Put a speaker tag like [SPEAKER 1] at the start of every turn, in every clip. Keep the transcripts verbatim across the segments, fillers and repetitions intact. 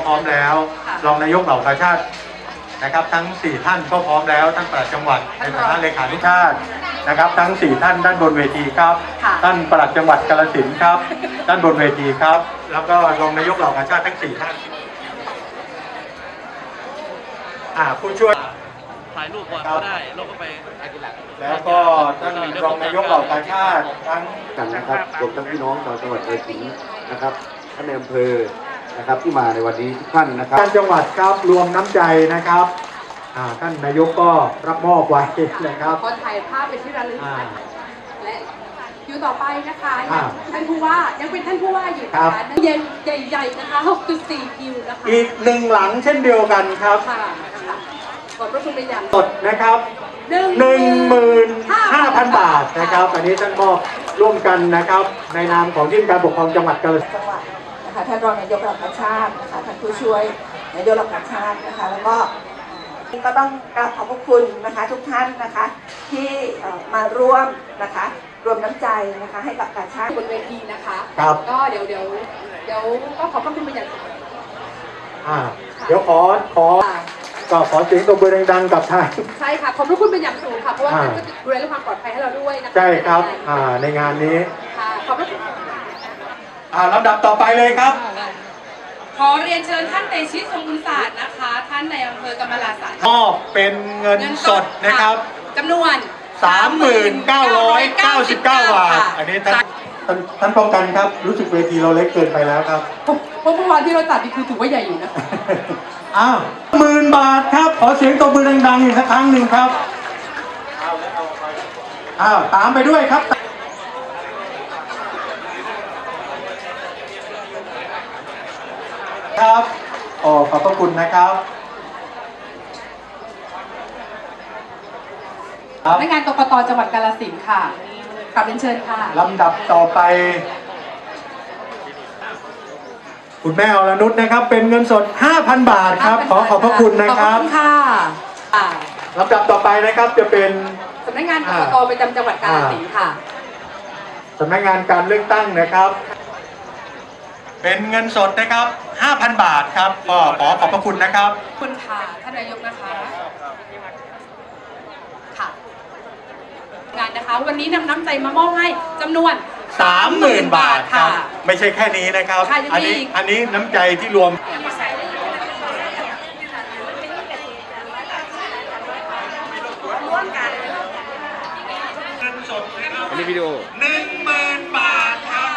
[SPEAKER 1] พร้อมแล้วรองนายกเหล่ากาชาตินะครับทั้งสี่ท่านก็พร้อมแล้วท่านปลัดจังหวัดในฐานะเลขาธิการนะครับทั้งสี่ท่านด้านบนเวทีครับท่านปลัดจังหวัดกาฬสินธุ์ครับด้านบนเวทีครับแล้วก็รองนายกเหล่ากาชาติทั้งสี่ท่านอ่าผู้ช่วย
[SPEAKER 2] ถ่ายรูปก่อนก็ได้เราก็ไป
[SPEAKER 1] แล้วก็ท่านรองนายกเหล่ากาชาติทั้ง
[SPEAKER 3] กันนะครับรวมทั้งพี่น้องชาวจังหวัดกาฬสินธุ์นะครับท่านในอำเภอนะครับที่มาในวันนี้ทุกท่านนะครับ
[SPEAKER 1] ท่านจังหวัดครับรวมน้ำใจนะครับท่านนายกก็รับมอบไว้นะครับ
[SPEAKER 4] ขอถ่ายภาพเป็นที่ระลึกและคิวต่อไปนะคะท่านผู้ว่ายังเป็นท่านผู้ว่าอยู่นะคะใหญ่ๆนะคะ หกจุดสี่ คิวนะคะ
[SPEAKER 1] อีกหนึ่งหลังเช่นเดียวกันครับ
[SPEAKER 4] ขอบพระคุณเป็นอย่าง
[SPEAKER 1] สดนะครับหนึ่งหมื่นห้าพันบาทนะครับอันนี้ท่านมอบร่วมกันนะครับในนามของที่การปกครองจังหวัดกาฬสินธุ์
[SPEAKER 5] นะคะท่านรองนายกเหล่ากาชาตินะคะท่านผู้ช่วยนายกเหล่ากาชาตินะคะแล้วก็ก็ต้องกราบขอบพระคุณนะคะทุกท่านนะคะที่มาร่วมนะคะรวมน้ำใจนะคะให้กับกาชาติ
[SPEAKER 4] บนเวทีนะคะ
[SPEAKER 1] ครับ
[SPEAKER 4] ก็เดี๋ยวเดี๋ยวเดี๋ยวก็ขอบพระคุณเป็นอย่างสูง
[SPEAKER 1] อ่าเดี๋ยวขอขอก็ขอเสียงตบมือดังๆกับท่าน
[SPEAKER 4] ใช่ค่ะขอบพระคุณเป็นอย่างสูงค่ะเพราะว่าท่านก็ดูแลเรื่องความปลอดภัยให้เราด้วยนะคะ
[SPEAKER 1] ใช่ครับอ่าในงานนี้
[SPEAKER 4] ค่ะขอบพระคุณ
[SPEAKER 1] อ่าลำดับต่อไปเลยครับ
[SPEAKER 4] ขอเรียนเชิญท่านเตชิตทรงบุญศาสตร์นะคะท่านในอำเภอกำมะลาสัน
[SPEAKER 1] มอบเป็นเงินสดนะครับ
[SPEAKER 4] จำนวน
[SPEAKER 1] สามหมื่นเก้าร้อยเก้าสิบเก้า บาทอันนี้ท่านท่านป้องกันครับรู้สึกเวทีเราเล็กเกินไปแล้วครับ
[SPEAKER 4] เพราะเมื่อวานที่เราจัดนี่คือถือว่าใหญ่อยู่นะ
[SPEAKER 1] อ้าวหมื่นบาทครับขอเสียงตบมือดังๆอีกสักครั้งหนึ่งครับอ้าวตามไปด้วยครับครับโอ้ขอบพระคุณนะครับ
[SPEAKER 4] สำนักงานกกต.จังหวัดกาฬสินธุ์ค่ะกราบเรียนเชิญค่ะ
[SPEAKER 1] ลำดับต่อไปคุณแม่อรนุชนะครับเป็นเงินสด ห้าพัน บาทครับขอขอบพระคุณนะครับ
[SPEAKER 4] ขอบคุณค่ะ
[SPEAKER 1] ลำดับต่อไปนะครับจะเป็น
[SPEAKER 4] สำนักงานกกต.ประจำจังหวัดกาฬสินธุ์ค่ะ
[SPEAKER 1] สำนักงานการเลือกตั้งนะครับเป็นเงินสดนะครับ ห้าพัน บาทครับก็ขอขอบพระคุณนะครับ
[SPEAKER 4] คุณค่ะท่านนายกนะคะค่ะงานนะคะวันนี้นำน้ำใจมามอบให้จำนวน
[SPEAKER 1] สามหมื่น บาทครับไม่ใช่แค่นี้นะครับอันนี้อันนี้น้ำใจที่รวม
[SPEAKER 2] อันนี้วิดีโอ
[SPEAKER 1] หนึ่งหมื่น บาทครับ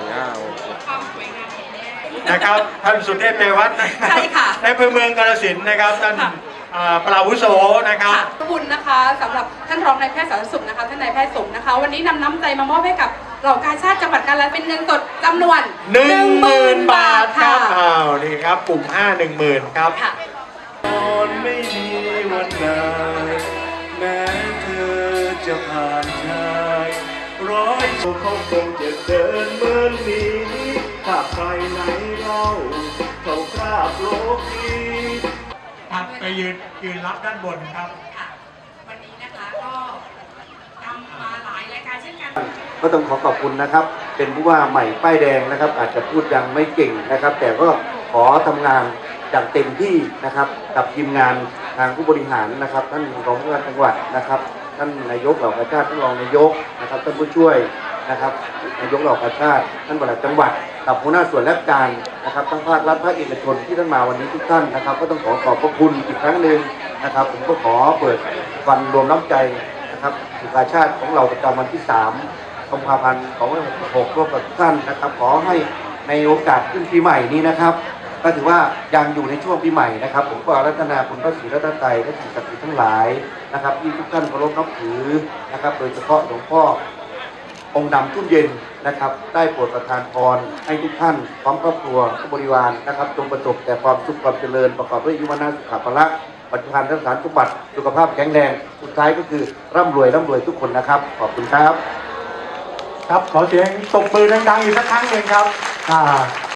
[SPEAKER 1] นะครับท่านสุเทพเทวัฒน์
[SPEAKER 4] ใช่ค่ะ
[SPEAKER 1] ในอำเภอเมืองกาฬสินธุ์นะครับท่านปราวุโสนะครับ
[SPEAKER 4] ขอบคุณนะคะสำหรับท่านรองนายแพทย์สาธารณสุขนะคะท่านนายแพทย์สมนะคะวันนี้นำน้ำใจมามอบให้กับเหล่ากาชาติจังหวัดกาฬสินธุ์เป็นเงินสดจำนวน
[SPEAKER 1] หนึ่งหมื่น บาทครับอ้าวนี่ครับกลุ่มห้าหนึ่งหมื่นครับ
[SPEAKER 3] ตอนไม่มีวันใดแม้เธอจะผ่านชายร้อยเขาคงจะเดินเหมือนนี้ถ้าใครไหนเล่าเขาคราบโลกนี้
[SPEAKER 1] ครับไปยืนยืนรับด้านบนครับ
[SPEAKER 4] วันนี้นะคะก็นำมาหลายรายการเช่นกัน
[SPEAKER 3] ก็ต้องขอขอบคุณนะครับเป็นผู้ว่าใหม่ป้ายแดงนะครับอาจจะพูดยังไม่เก่งนะครับแต่ก็ขอทำงานอย่างเต็มที่นะครับกับทีมงานทางผู้บริหารนะครับท่านรองผู้ว่าจังหวัดนะครับท่านนายกเหล่ากาชาติท่านรองนายกนะครับท่านผู้ช่วยนะครับนายกเหล่ากาชาติท่านปลัดจังหวัดกับหัวหน้าส่วนราชการนะครับทั้งภาครัฐภาคเอกชนที่ท่านมาวันนี้ทุกท่านนะครับก็ต้องขอขอบพระคุณอีกครั้งหนึ่งนะครับผมก็ขอเปิดวันรวมน้ำใจนะครับสุขชาติของเราประจำวันที่สามกุมภาพันธ์สองพันห้าร้อยหกสิบหกร่วมกับทุกท่านนะครับขอให้ในโอกาสขึ้นปีใหม่นี้นะครับก็ถือว่ายังอยู่ในช่วงปีใหม่นะครับผมก็อารัตนาคุณพระศรีรัตนตรัยและสิ่งศักดิ์สิทธิ์ทั้งหลายนะครับที่ทุกท่านเคารพนับถือนะครับโดยเฉพาะหลวงพ่อองค์ดำทุ่มเย็นนะครับได้โปรดประทานพรให้ทุกท่านพร้อมครอบครัวบริวารนะครับจงประสบแต่ความสุขความเจริญประกอบด้วยอายุวนะสุขภาพปัจจุบันทั้งสารสมบัติสุขภาพแข็งแรงสุดท้ายก็คือร่ำรวยร่ำรวยทุกคนนะครับขอบคุณครับ
[SPEAKER 1] ครับขอเสียงตบมือดังๆอีกสักครั้งหนึ่งครับอ่า